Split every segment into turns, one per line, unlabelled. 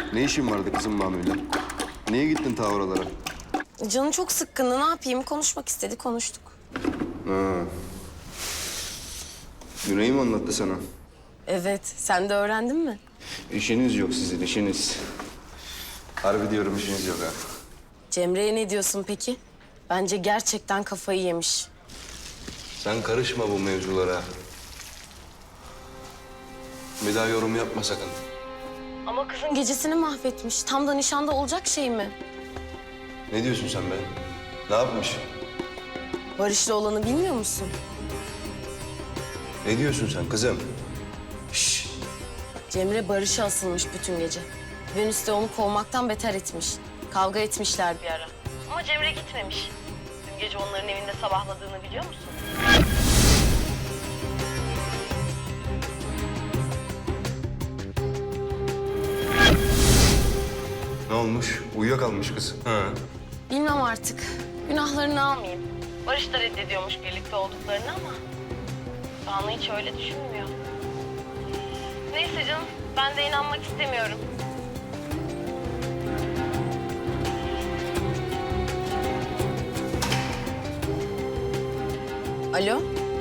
Ne işin vardı kızım Manu'yla? Niye gittin ta oralara?
Canı çok sıkkındı. Ne yapayım? Konuşmak istedi, konuştuk.
Ha. Güney mi anlattı sana?
Evet, sen de öğrendin mi?
İşiniz yok sizin, işiniz. Harbi diyorum işiniz yok ha.
Cemre'ye ne diyorsun peki? Bence gerçekten kafayı yemiş.
Sen karışma bu mevzulara. Bir daha yorum yapma sakın.
Ama kızın gecesini mahvetmiş. Tam da nişanda olacak şey mi?
Ne diyorsun sen be? Ne yapmış?
Barış'la olanı bilmiyor musun?
Ne diyorsun sen kızım? Şşş.
Cemre Barış'a asılmış bütün gece. Venüs de onu kovmaktan beter etmiş. Kavga etmişler bir ara. Ama Cemre gitmemiş. Dün gece onların evinde sabahladığını biliyor musun?
Ne olmuş? Uyuyakalmış kız. Ha.
Bilmem artık. Günahlarını almayayım. Barış da reddediyormuş birlikte olduklarını ama... Banu hiç öyle düşünmüyor. Neyse canım, ben de inanmak istemiyorum. Alo?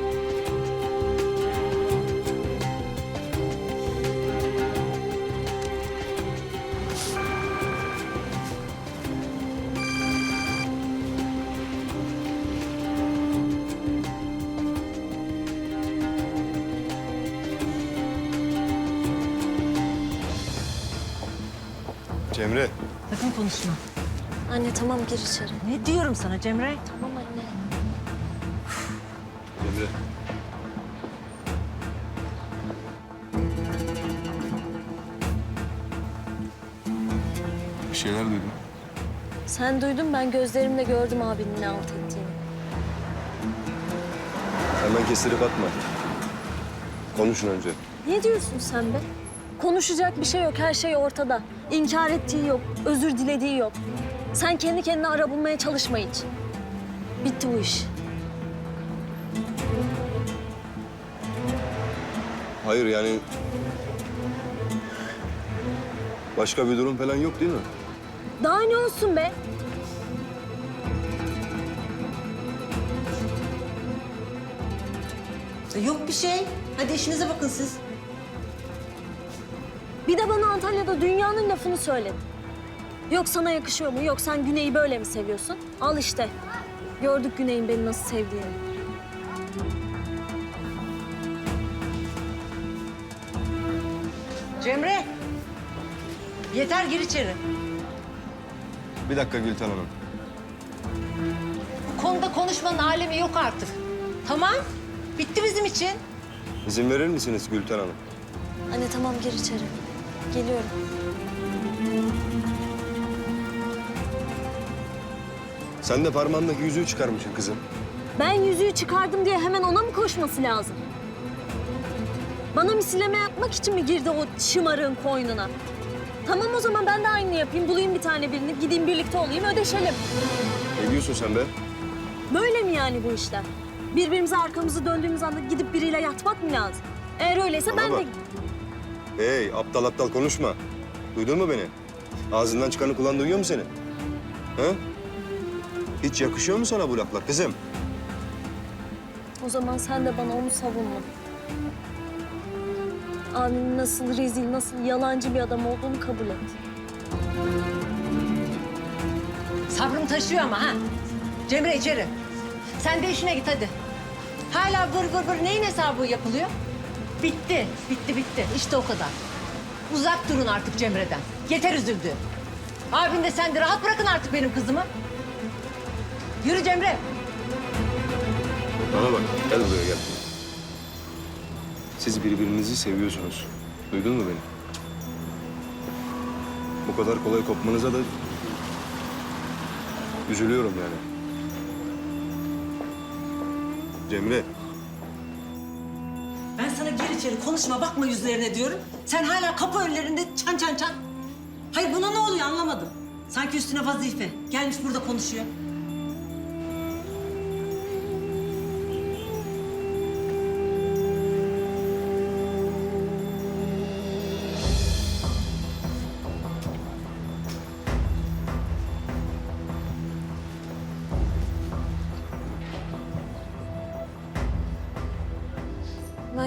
Cemre.
Sakın konuşma.
Anne tamam gir içeri.
Ne diyorum sana Cemre?
Tamam anne.
Cemre. Bir şeyler duydum.
Sen duydun ben gözlerimle gördüm abinin ne alt ettiğini.
Hemen kestirip atma. Konuşun önce.
Ne diyorsun sen be? Konuşacak bir şey yok, her şey ortada. İnkar ettiği yok, özür dilediği yok. Sen kendi kendine ara bulmaya çalışma hiç. Bitti bu iş.
Hayır yani... Başka bir durum falan yok değil mi?
Daha ne olsun be?
Yok bir şey. Hadi işinize bakın siz.
Bir de bana Antalya'da dünyanın lafını söyledin. Yok sana yakışıyor mu? Yok sen Güney'i böyle mi seviyorsun? Al işte. Gördük Güney'in beni nasıl sevdiğini.
Cemre. Yeter gir içeri.
Bir dakika Gülten Hanım.
Bu konuda konuşmanın alemi yok artık. Tamam. Bitti bizim için.
İzin verir misiniz Gülten Hanım?
Anne tamam gir içeri. Geliyorum.
Sen de parmağındaki yüzüğü çıkarmışsın kızım.
Ben yüzüğü çıkardım diye hemen ona mı koşması lazım? Bana misilleme yapmak için mi girdi o şımarığın koynuna? Tamam o zaman ben de aynı yapayım. Bulayım bir tane birini, gideyim birlikte olayım, ödeşelim.
Ne diyorsun sen be?
Böyle mi yani bu işler? Birbirimize arkamızı döndüğümüz anda gidip biriyle yatmak mı lazım? Eğer öyleyse
Bana
ben
bak.
de...
Hey aptal aptal konuşma. Duydun mu beni? Ağzından çıkanı kulağın duyuyor mu senin? Ha? Hiç yakışıyor mu sana bu laflar kızım?
O zaman sen de bana onu savunma. Abimin nasıl rezil, nasıl yalancı bir adam olduğunu kabul et.
Sabrım taşıyor ama ha. Cemre içeri. Sen de işine git hadi. Hala vır vır vır neyin hesabı yapılıyor? Bitti, bitti, bitti. İşte o kadar. Uzak durun artık Cemre'den. Yeter üzüldü. Abin de sen de rahat bırakın artık benim kızımı. Yürü Cemre.
Bana bak gel buraya gel. Siz birbirinizi seviyorsunuz. Duydun mu beni? Bu kadar kolay kopmanıza da üzülüyorum yani. Cemre.
Ben sana gir içeri konuşma bakma yüzlerine diyorum. Sen hala kapı önlerinde çan çan çan. Hayır buna ne oluyor anlamadım. Sanki üstüne vazife. Gelmiş burada konuşuyor.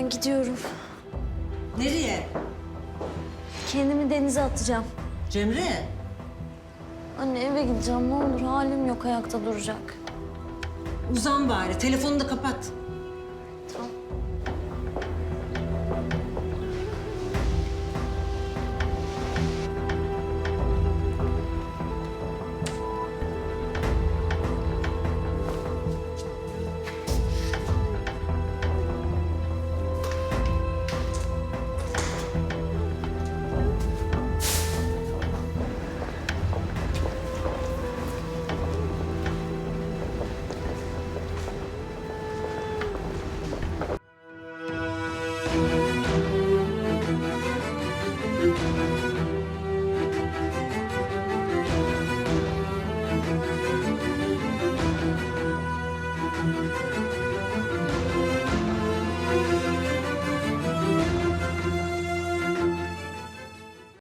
Ben gidiyorum.
Nereye?
Kendimi denize atacağım.
Cemre.
Anne eve gideceğim ne olur. Halim yok ayakta duracak.
Uzan bari. Telefonu da kapat.